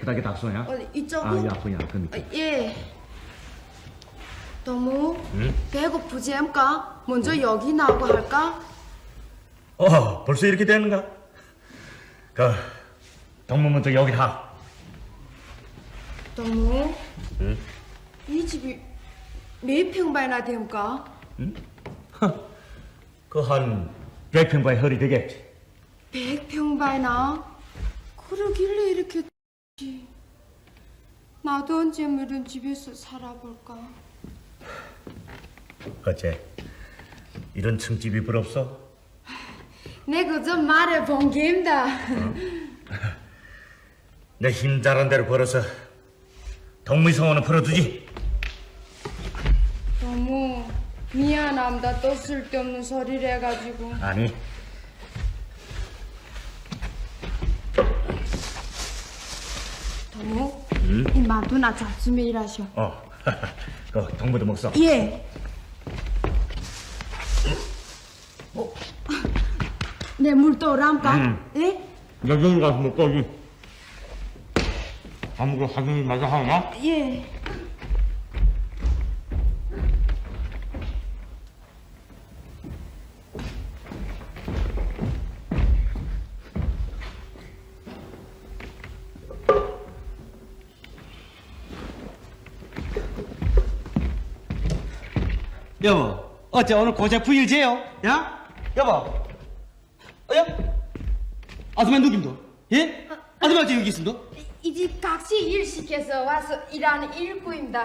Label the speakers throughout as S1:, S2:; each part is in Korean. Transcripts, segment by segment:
S1: 깨끗하게 닦소냐?
S2: 이쪽은?
S1: 야구야, 그 밑에.
S2: 예. 너무
S1: 응?
S2: 배고프지 않까? 먼저 여기 나오고 할까?
S1: 벌써 이렇게 되는가? 동무 먼저 여기 하.
S2: 너무
S1: 응?
S2: 이 집이 몇 평방이나 됩니까?
S1: 응? 한 100평방에 허리 되겠지.
S2: 100평방이나? 그러길래 이렇게 지. 나도 언제 이런 집에서 살아볼까?
S1: 어째 이런 층집이 부럽소?
S2: 내 그저 말해본 게임다.
S1: 내 힘 잘한 대로 벌어서 동무의 성원은 풀어두지.
S2: 너무 미안합니다. 또 쓸데없는 소리를 해가지고.
S1: 아니,
S2: 너무
S1: 응?
S2: 이 만두나 잡수면 일하셔.
S1: 그 동무도 먹소.
S2: 예. 내 물도 오람까? 예?
S1: 여기 가서 먹고지. 아무거 사장님 마저 하나?
S2: 예.
S3: 여보, 어째 오늘 고작 일제요? 야? 여보, 야? 아줌마 누김도? 예? 아줌마 어째 여기 있음도?
S2: 이 집 각시 일 시켜서 와서 일하는 일꾼입니다.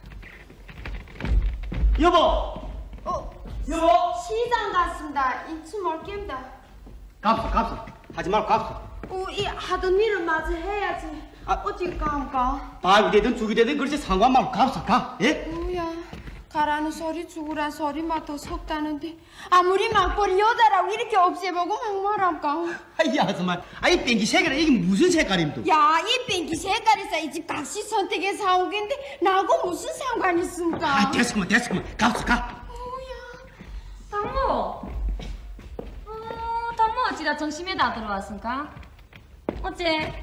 S3: 여보! 여보!
S2: 시장 갔습니다. 인치 멀게입니다.
S3: 갑수. 하지 말고 갑수.
S2: 이 하던 일을 마저 해야지. 어디 가니까?
S3: 밥이 되든 죽이 되든 그렇지 상관 말고 갑수, 가. 예?
S2: 뭐야? 가라는 소리 죽으란 소리만 더 섞다는데 아무리 막벌이 여자라고 이렇게 없애보고 막말할까?
S3: 아이 아줌마, 아이 뺑기 색깔 이게 무슨 색깔임도?
S2: 야, 이 뺑기 색깔에서 이 집 각시 선택에 사온 건데 나하고 무슨 상관이 있습니까?
S3: 아, 됐구만. 갑수, 가.
S4: 당모! 당모 어찌다 정심에 다 들어왔습니까? 어째?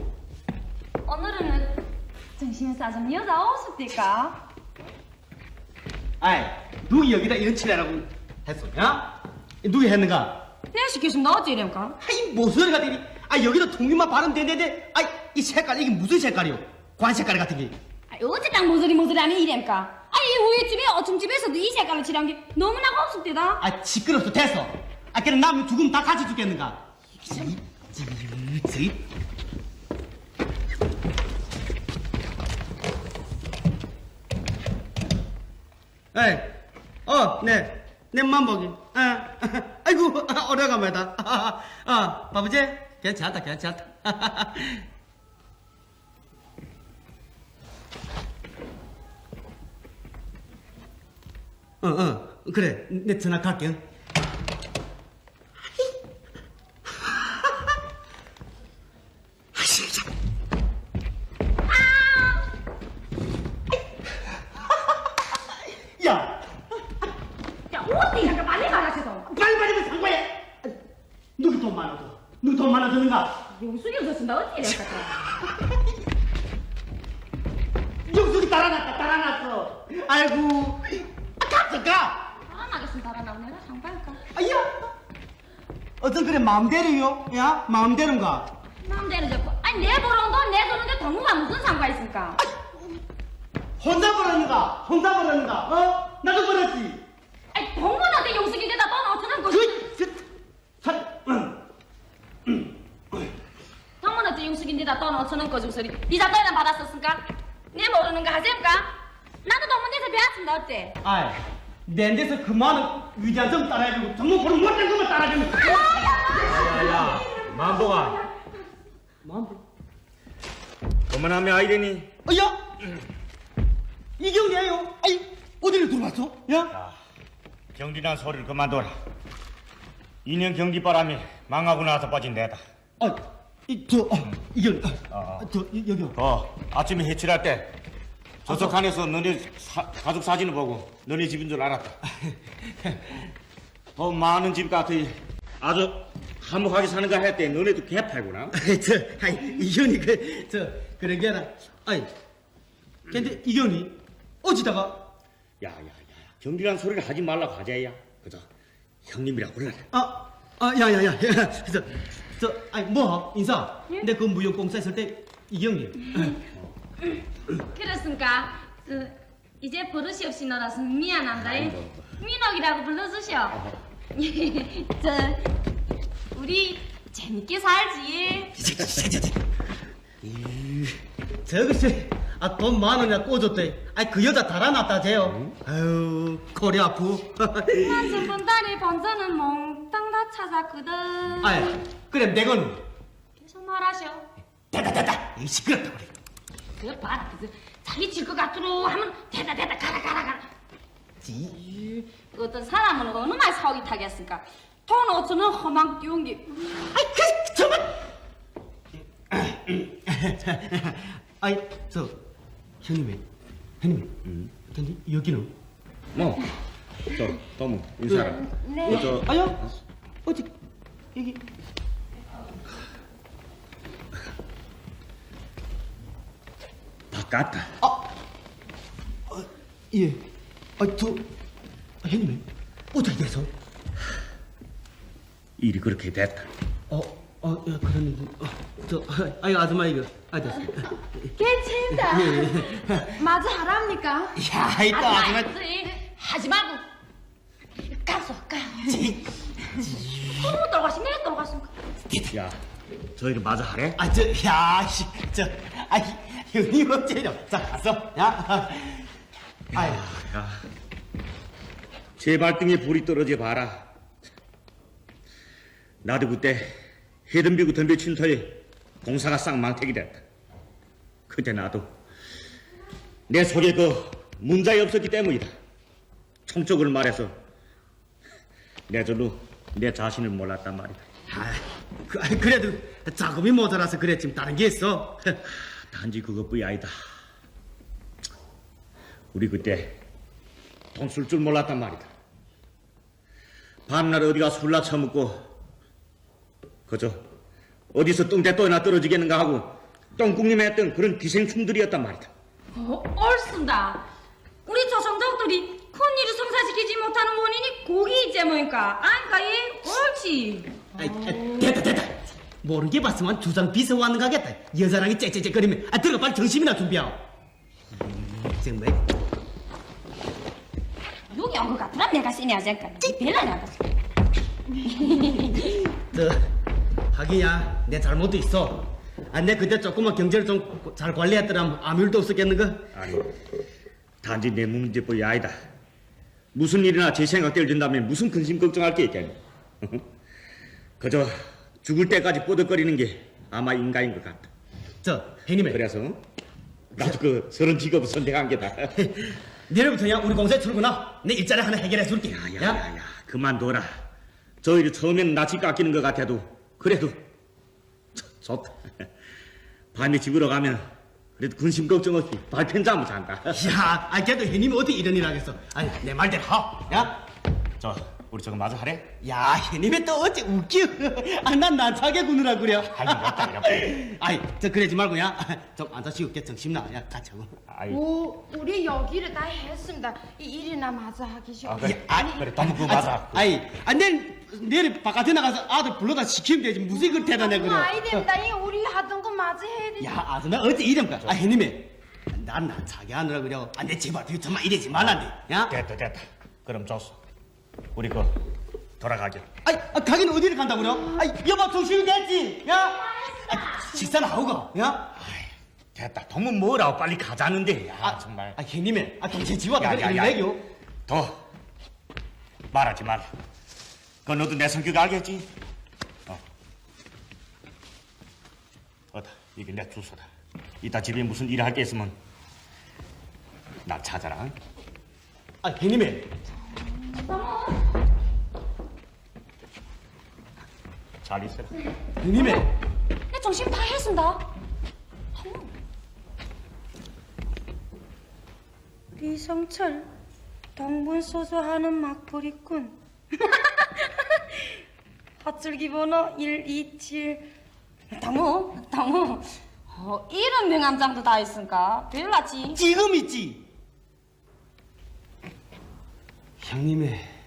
S4: 오늘은 정심에 싸준 여자 없습니까?
S3: 아이, 누구 여기다 이런 칠해라고 했어, 야? 누구 했는가?
S4: 내가 시켰으면 나 어찌 이래니까?
S3: 아이, 무슨 소리가 되니? 아, 여기다 통일만 바르면 되는데, 아이, 이 색깔, 이게 무슨 색깔이요? 관 색깔 같은 게.
S4: 어째 딱 모서리 하면 이래니까? 아니 이 우유집에 어춤집에서도 이 색깔을 칠한 게 너무나 없습니다.
S3: 아, 시끄럽소, 됐어. 아, 그래, 남이 죽으면 다 같이 죽겠는가? 에이, 내 맘보기. 아이고, 오래간만이다. 바보지? 괜찮다. 그래, 내 전화 갈게. 야!
S4: 야 어디 잠깐 빨리 말하셔서.
S3: 빨리 말하면 상관해! 누구 돈 많아도? 누구 돈 많아드는가?
S4: 용수이 없었습니다. 어찌 이래니까?
S3: 영숙이 달아났어. 아이고, 갑자가.
S4: 나가겠습니다. 달아나고 내가 상관할까?
S3: 아야! 어떤 그래 마음대로요? 야, 마음대로인가?
S4: 마음대로 잡고. 아니 내 보러 온 돈 내 주는데 동무가 무슨 상관 있습니까?
S3: 혼자 벌었는가? 나도 벌었지.
S4: 아니 동무한테 용수기인데다 돈 5천원 거지. 동무한테 용수기인데다 돈 5천원 거주고 소리. 니 자돈이나 받았었습니까? 내 모르는 거 하셈까? 나도 동문에서 배웠습니다. 어때?
S3: 아이, 내 데서 그 많은 위장 좀 따라해주고 정말 그런 못된 것만 따라주면.
S1: 야, 만보가.
S3: 마음대로.
S1: 그만하면 아이래니.
S3: 야! 이경이에요. 아이, 어디를 들어왔어? 야?
S1: 경리난 소리를 그만둬라. 2년 경기바람이 망하고 나서 빠진 내다.
S3: 이경, 여기요.
S1: 아침에 해칠할 때 저석한에서 너네 가족 사진을 보고 너네 집인 줄 알았다. 많은 집 같아. 아주 화목하게 사는가 했대. 너네도 개팔구나.
S3: 이현이 그런 게 아니라 아이 근데 이경이 어찌다가
S1: 야야야 경기란 소리를 하지 말라고 하자야. 그저 형님이라 불러라.
S3: 야야야 저 아이 뭐 인사 내 그 무용공사 있을 때 이경님
S4: 그렇습니까? 이제 버릇이 없이 놀아서 미안합니다. 민옥이라고 불러주셔. 저 우리 재밌게 살지.
S3: 저것이 돈 10,000원이나 꽂았대. 그 여자 달아났다제요. 아유 코리 아프.
S4: 나 저번 달에 번전은 몽땅 다 찾았거든.
S3: 아이 그래 내건
S4: 계속 말하셔.
S3: 됐다 이 시끄럽다 그래.
S4: 그거 봐라. 자기 질 것 같도록 하면 됐다 가라. 어떤 사람은 어느 말 사오기 타겠습니까? 돈 5천원 험한 끼운 게.
S3: 정말. 아이 저 형님. 근데 여기는
S1: 저 너무 인사라.
S2: 네.
S1: 저
S3: 아야 어디 여기
S1: 바깥다.
S3: 예. 저 형님 어떻게 돼서?
S1: 일이 그렇게 됐다.
S3: 야, 그러는데 아이 아줌마 이거 됐어.
S2: 괜찮다. 마저 하랍니까?
S3: 야, 이따 아줌마.
S4: 하지 말고 가서 가. 너무 돌아가시 내가 돌아갔습니까?
S1: 야, 저희를 마저 하래?
S3: 형님 어째요? 자, 가서, 야.
S1: 야, 제 발등에 불이 떨어져 봐라. 나도 그때 해덤비고 덤벼친 터에 공사가 쌍망태기 됐다. 그때 나도 내 속에 그 문자에 없었기 때문이다. 총적으로 말해서 내 절로 내 자신을 몰랐단 말이다.
S3: 그래도 자금이 모자라서 그랬지 다른 게 있어.
S1: 단지 그것뿐이 아니다. 우리 그때 돈 쓸 줄 몰랐단 말이다. 밤날 어디가 술나 처먹고 그저 어디서 똥대또나 떨어지겠는가 하고 똥국님에 했던 그런 기생충들이었단 말이다.
S4: 옳습니다. 우리 조선족들이 큰일을 성사시키지 못하는 원인이 고기이지 뭐니까. 예, 옳지.
S3: 됐다. 모르게 봤으면 주장 비서 왔는 가겠다. 여자랑이 째째째거리면 들어가 빨리 정신이나 준비하오. 정말.
S4: 여기 온 것 같더라. 내가 쓰냐 잠깐. 별로 나갔어.
S3: 하기야 내 잘못도 있어. 내 그때 조금만 경제를 좀 잘 관리했더라면 아무 일도 없었겠는가?
S1: 아니, 단지 내 문제뿐이 아니다. 무슨 일이나 제 생각대로 된다면 무슨 근심 걱정할 게 있겠니? 그저 죽을 때까지 뽀득거리는 게 아마 인간인 것 같다.
S3: 형님의
S1: 그래서 나도 그 서른 직업을 선택한 게다.
S3: 내일부터야 우리 공사에 출근하. 내 일자리 하나 해결해 줄게.
S1: 야, 그만둬라. 저희를 처음엔 낯이 깎이는 것 같아도 그래도 좋다. 밤에 집으로 가면 그래도 근심 걱정 없이 발편 잠을 잔다.
S3: 그래도 형님이 어디 이런 일 하겠어. 내 말대로 하. 야,
S1: 우리 저거 마저 하래?
S3: 야, 형님이 또 어째 웃겨. 난 난차게 구느라 그래. 그러지 말고 좀 앉아시고 정신나. 같이 하고.
S2: 우리 여기를 다 했습니다. 이 일이나 마저 하기 싫어.
S1: 그래, 너무 그거 맞아.
S3: 내일 바깥에 나가서 아들 불러다 시키면 되지. 무슨 이걸 대단해 그래.
S2: 아이 됩니다. 우리 하던 거 마저 해야 돼.
S3: 아줌마 어째 이름까? 형님이 난 차게 하느라 그래. 내 제발 정말 이러지 말란데. 야.
S1: 됐다. 그럼 좋소. 우리 돌아가게.
S3: 가긴 어디를 간다고 그래? 여보 정신이 됐지? 야. 식사는 하고 가. 야.
S1: 됐다. 돈은 뭐라고 빨리 가자는데. 정말.
S3: 형님이 동생 지워다 그래.
S1: 야. 더 말하지 말라. 그건 너도 내 성격 알겠지? 이게 내 주소다. 이따 집에 무슨 일 할 게 있으면 나 찾아라.
S3: 형님이.
S1: 잘 있어라.
S3: 형님이.
S4: 내 정신 다 했습니다. 리성철 동분소소하는 막부리꾼. 밧줄기 번호 127. 당무 이런 명함장도 다 있으니까 별났지.
S3: 지금 있지. 형님의